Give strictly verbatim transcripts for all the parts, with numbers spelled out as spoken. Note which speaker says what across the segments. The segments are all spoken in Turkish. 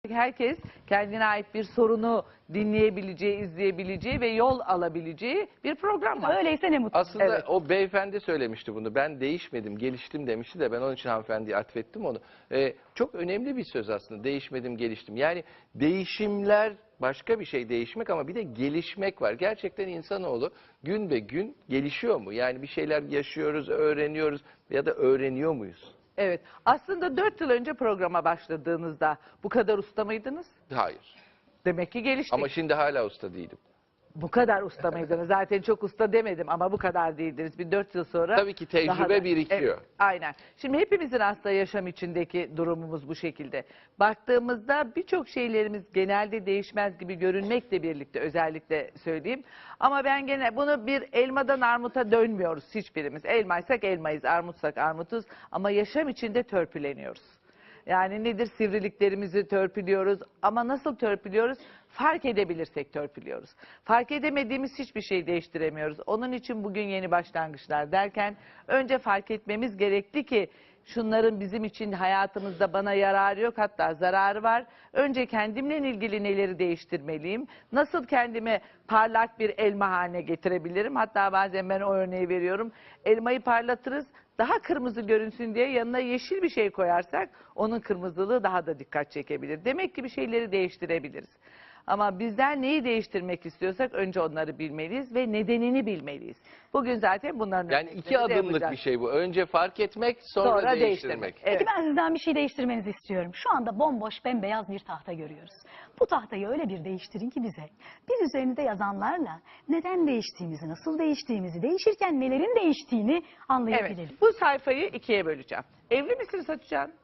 Speaker 1: Herkes kendine ait bir sorunu dinleyebileceği, izleyebileceği ve yol alabileceği bir program var.
Speaker 2: Öyleyse ne mutlu.
Speaker 3: Aslında
Speaker 1: Evet.
Speaker 3: o beyefendi söylemişti bunu. Ben değişmedim, geliştim demişti de ben onun için hanımefendiye atfettim onu. Ee, çok önemli bir söz aslında. Değişmedim, geliştim. Yani değişimler başka bir şey değişmek ama bir de gelişmek var. Gerçekten insanoğlu gün be gün gelişiyor mu? Yani bir şeyler yaşıyoruz, öğreniyoruz ya da öğreniyor muyuz?
Speaker 1: Evet. Aslında dört yıl önce programa başladığınızda bu kadar usta mıydınız?
Speaker 3: Hayır.
Speaker 1: Demek ki geliştik.
Speaker 3: Ama şimdi hala usta değilim.
Speaker 1: Bu kadar usta mıydınız? Zaten çok usta demedim ama bu kadar değildiniz. Bir dört yıl sonra...
Speaker 3: Tabii ki tecrübe
Speaker 1: daha da-
Speaker 3: birikiyor.
Speaker 1: Evet, aynen. Şimdi hepimizin aslında yaşam içindeki durumumuz bu şekilde. Baktığımızda birçok şeylerimiz genelde değişmez gibi görünmekle birlikte özellikle söyleyeyim. Ama ben gene bunu bir elmadan armuta dönmüyoruz hiçbirimiz. Elmaysak elmayız, armutsak armutuz ama yaşam içinde törpüleniyoruz. Yani nedir? Sivriliklerimizi törpülüyoruz ama nasıl törpülüyoruz? Fark edebilirsek törpülüyoruz. Fark edemediğimiz hiçbir şey değiştiremiyoruz. Onun için bugün yeni başlangıçlar derken önce fark etmemiz gerekli ki şunların bizim için hayatımızda bana yararı yok, hatta zararı var. Önce kendimle ilgili neleri değiştirmeliyim? Nasıl kendimi parlak bir elma haline getirebilirim? Hatta bazen ben o örneği veriyorum. Elmayı parlatırız. Daha kırmızı görünsün diye yanına yeşil bir şey koyarsak onun kırmızılığı daha da dikkat çekebilir. Demek ki bir şeyleri değiştirebiliriz. Ama bizden neyi değiştirmek istiyorsak önce onları bilmeliyiz ve nedenini bilmeliyiz. Bugün zaten bunların
Speaker 3: Yani iki
Speaker 1: örneklerini de
Speaker 3: adımlık
Speaker 1: yapacağız.
Speaker 3: bir şey bu. Önce fark etmek, sonra,
Speaker 1: Sonra
Speaker 3: değiştirmek.
Speaker 1: değiştirmek. Evet.
Speaker 2: Peki ben sizden bir şey değiştirmenizi istiyorum. Şu anda bomboş bembeyaz bir tahta görüyoruz. Bu tahtayı öyle bir değiştirin ki bize. Biz üzerinde yazanlarla neden değiştiğimizi, nasıl değiştiğimizi, değişirken nelerin değiştiğini anlayabilelim.
Speaker 1: Evet. Bu sayfayı ikiye böleceğim. Evli misiniz Hatice Hanım?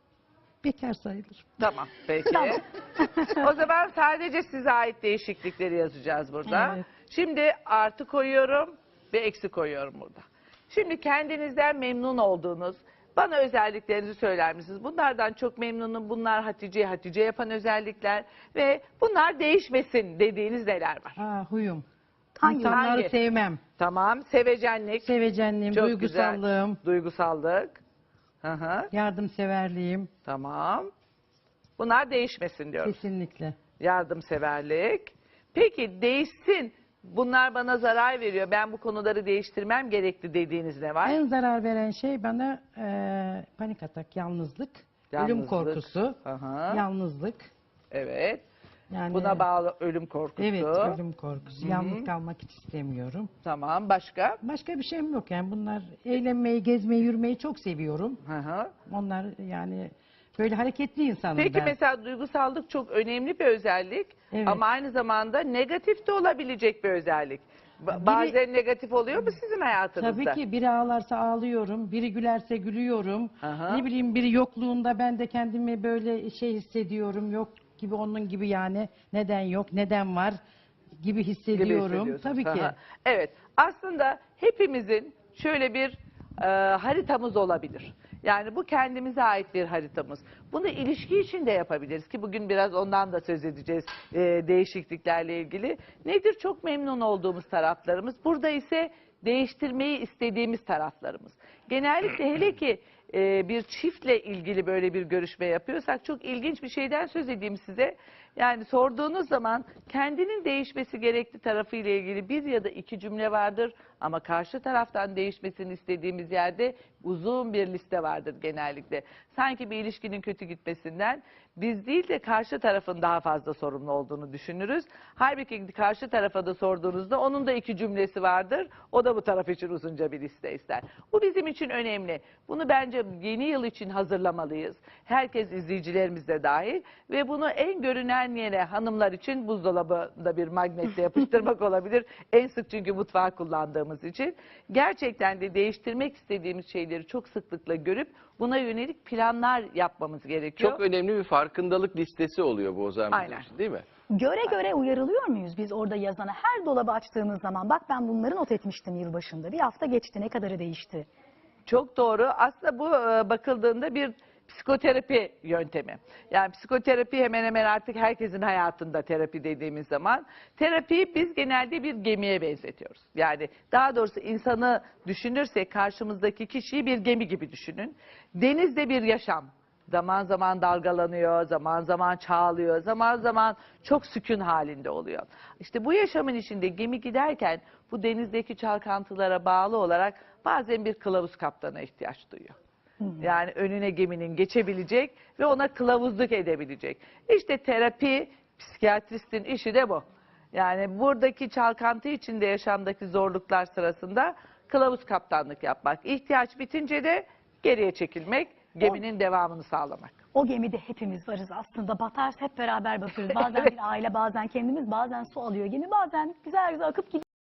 Speaker 4: Bekar sayılır.
Speaker 1: Tamam, peki.
Speaker 2: Tamam.
Speaker 1: O zaman sadece size ait değişiklikleri yazacağız burada.
Speaker 4: Evet.
Speaker 1: Şimdi artı koyuyorum ve eksi koyuyorum burada. Şimdi kendinizden memnun olduğunuz, bana özelliklerinizi söyler misiniz? Bunlardan çok memnunum, bunlar Hatice'yi Hatice yapan özellikler ve bunlar değişmesin dediğiniz neler var?
Speaker 4: Ha, huyum.
Speaker 2: Hangi-
Speaker 4: İnsanları
Speaker 1: hangi?
Speaker 4: sevmem.
Speaker 1: Tamam, sevecenlik,
Speaker 4: Sevecenliğim,
Speaker 1: çok
Speaker 4: duygusallığım,
Speaker 1: güzel. Duygusallık. Hı hı.
Speaker 4: yardımseverliğim.
Speaker 1: Tamam. Bunlar değişmesin diyoruz.
Speaker 4: Kesinlikle.
Speaker 1: Yardımseverlik. Peki değişsin. Bunlar bana zarar veriyor. Ben bu konuları değiştirmem gerekli dediğiniz ne var?
Speaker 4: En zarar veren şey bana eee, panik atak, yalnızlık, ölüm
Speaker 1: Yalnızlık.
Speaker 4: korkusu,
Speaker 1: Aha.
Speaker 4: yalnızlık.
Speaker 1: Evet.
Speaker 4: Yani
Speaker 1: Buna bağlı ölüm korkusu.
Speaker 4: evet, ölüm korkusu.
Speaker 1: Hı hı.
Speaker 4: Yalnız kalmak hiç istemiyorum.
Speaker 1: Tamam. Başka?
Speaker 4: Başka bir şeyim yok yani bunlar eğlenmeyi, gezmeyi, yürümeyi çok seviyorum.
Speaker 1: Hı hı.
Speaker 4: Onlar yani böyle hareketli insanım
Speaker 1: Peki
Speaker 4: ben.
Speaker 1: mesela duygusallık çok önemli bir özellik.
Speaker 4: Evet.
Speaker 1: Ama aynı zamanda negatif de olabilecek bir özellik. Ba-
Speaker 4: Biri-
Speaker 1: Bazen negatif oluyor mu sizin hayatınızda?
Speaker 4: Tabii ki biri ağlarsa ağlıyorum, biri gülerse gülüyorum.
Speaker 1: Aha.
Speaker 4: Ne bileyim biri yokluğunda ben de kendimi böyle şey hissediyorum. Yok gibi onun gibi yani neden yok, neden var gibi
Speaker 1: gibi
Speaker 4: hissediyorum.
Speaker 1: hissediyorsunuz.
Speaker 4: Tabii ki.
Speaker 1: Aha. Evet. Aslında hepimizin şöyle bir e, haritamız olabilir. Yani bu kendimize ait bir haritamız. Bunu ilişki için de yapabiliriz ki bugün biraz ondan da söz edeceğiz e, değişikliklerle ilgili. Nedir çok memnun olduğumuz taraflarımız? Burada ise değiştirmeyi istediğimiz taraflarımız. Genellikle hele ki e, bir çiftle ilgili böyle bir görüşme yapıyorsak çok ilginç bir şeyden söz edeyim size. Yani sorduğunuz zaman kendinin değişmesi gerekli tarafıyla ilgili bir ya da iki cümle vardır ama karşı taraftan değişmesini istediğimiz yerde uzun bir liste vardır genellikle. Sanki bir ilişkinin kötü gitmesinden biz değil de karşı tarafın daha fazla sorumlu olduğunu düşünürüz. Halbuki karşı tarafa da sorduğunuzda onun da iki cümlesi vardır. O da bu taraf için uzunca bir liste ister. Bu bizim için önemli. Bunu bence yeni yıl için hazırlamalıyız. Herkes, izleyicilerimiz de dahil ve bunu en görünen yere hanımlar için buzdolabında bir magnetle yapıştırmak olabilir. En sık çünkü mutfağı kullandığımız için. Gerçekten de değiştirmek istediğimiz şeyleri çok sıklıkla görüp buna yönelik planlar yapmamız gerekiyor.
Speaker 3: Çok önemli bir farkındalık listesi oluyor bu o zaman bizim
Speaker 1: Aynen.
Speaker 3: için, değil mi?
Speaker 2: Göre göre uyarılıyor muyuz biz orada yazana? Her dolabı açtığımız zaman bak ben bunları not etmiştim yılbaşında. Bir hafta geçti, ne kadarı değişti?
Speaker 1: Çok doğru. Aslında bu e, bakıldığında bir psikoterapi yöntemi. Yani psikoterapi hemen hemen artık herkesin hayatında terapi dediğimiz zaman. Terapiyi biz genelde bir gemiye benzetiyoruz. Yani daha doğrusu insanı düşünürsek karşımızdaki kişiyi bir gemi gibi düşünün. Denizde bir yaşam Zaman zaman dalgalanıyor, zaman zaman çağlıyor, zaman zaman çok sükun halinde oluyor. İşte bu yaşamın içinde gemi giderken bu denizdeki çalkantılara bağlı olarak bazen bir kılavuz kaptana ihtiyaç duyuyor. Yani önüne geminin geçebilecek ve ona kılavuzluk edebilecek. İşte terapi, psikiyatristin işi de bu. Yani buradaki çalkantı içinde yaşamdaki zorluklar sırasında kılavuz kaptanlık yapmak. İhtiyaç bitince de geriye çekilmek, geminin devamını sağlamak.
Speaker 2: O gemide hepimiz varız aslında. Batarsa hep beraber batıyoruz. Bazen bir aile, bazen kendimiz, bazen su alıyor gemi, bazen güzel güzel akıp gidiyor.